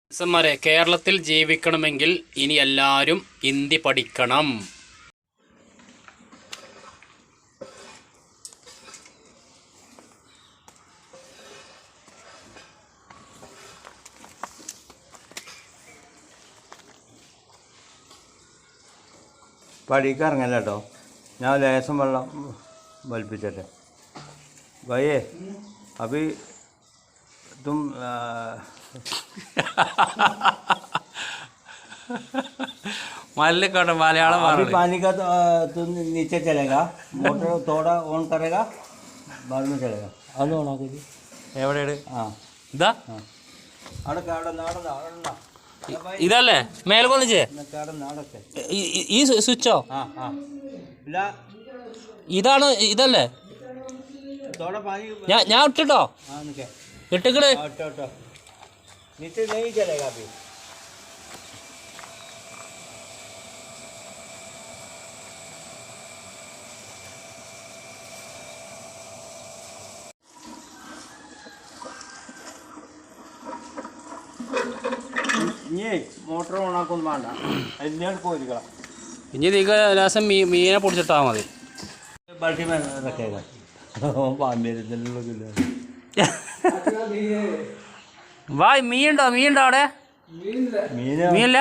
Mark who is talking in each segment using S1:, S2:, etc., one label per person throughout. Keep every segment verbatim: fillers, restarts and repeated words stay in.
S1: സന്മാരെ കേരളത്തിൽ ജീവിക്കണമെങ്കിൽ ഇനി എല്ലാവരും ഹിന്ദി പഠിക്കണം.
S2: പഠിക്കാറിങ്ങല്ല കേട്ടോ. ഞാൻ ലേശം വെള്ളം വലിപ്പിച്ചിട്ടെ ഭയേ അഭി തും
S1: മല്ലിക്കോട്ടെ മലയാളം
S2: अभी पानी का तो तो नीचे चलेगा मोटर थोड़ा ऑन करेगा बाद में चलेगा അത് ഓൺ ആക്കി
S1: എവിടെയാണ്?
S2: ആ
S1: ഇതാ
S2: അവിടെ അവിടെ നാടണ്ട അവിടെ
S1: ഇതല്ലേ മേലെ കൊന്നിച്ചേ
S2: അവിടെ നാടൊക്കെ
S1: ഈ സ്വിച്ചോ?
S2: ആ ആ ഇല്ല
S1: ഇതാണ് ഇതല്ലേ?
S2: थोड़ा पानी
S1: ഞാൻ ഞാൻ ഇട്ടിട്ടോ
S2: हाँ निके
S1: ഇട്ടിക്കട്
S2: हटो हटो नीचे नहीं चलेगा अभी ഇനി മോട്ടർ ഓണാക്കൊന്നും വേണ്ട അതിനാണ് പോയിരിക്കണം.
S1: ഇനി നീക്ക് ലാസം മീ മീനെ പൊടിച്ചിട്ടാൽ മതി.
S2: ബാക്കി റക്കേगा
S1: വായ് മീനുണ്ടോ? മീനുണ്ടോ അവിടെ? മീനില്ല.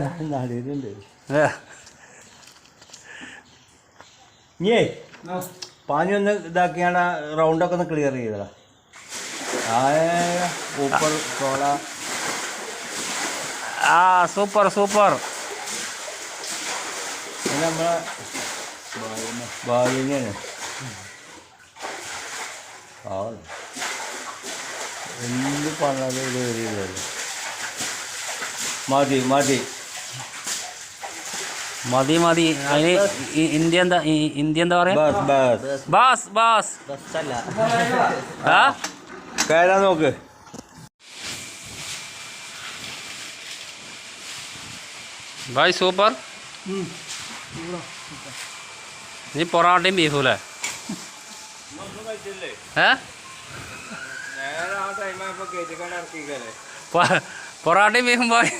S2: ഇനിയേ പാനി ഒന്ന് ഇതാക്കിയാണ് റൗണ്ടൊക്കെ ഒന്ന് ക്ലിയർ ചെയ്തതാ. ഊപ്പർ സോള
S1: ആ സൂപ്പർ സൂപ്പർ.
S2: നമ്മളെ ഭാഗ്യനെയാണ് ആ എന്ത് പറഞ്ഞാലും ഇത് വരില്ലല്ലോ. മതി മതി
S1: മതി മതി. അതിന് ഇന്ത്യ എന്താ ഇന്ത്യ എന്താ പറയാ?
S2: ബസ്
S1: ബസ് ബസ് ആ
S2: കയറാൻ നോക്ക്.
S1: ഭായ് സൂപ്പർ. നീ പൊറാട്ടയും ബീഫൂല്ലേ? ഏ പൊറാട്ടയും ബീഫും പോയി.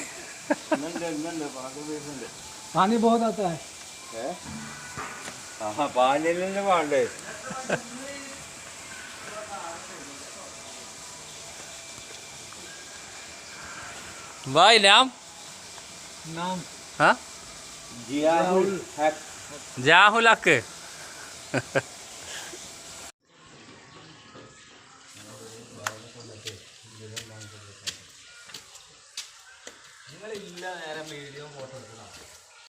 S2: पानी बहुत आता है हाँ पानी लेने वाले
S1: भाई नाम
S2: नाम
S1: हाँ
S2: जियाहुल हक
S1: ജാഹുൽ ഹക്ക്.
S2: നിങ്ങളില്ല നേരം വീഡിയോ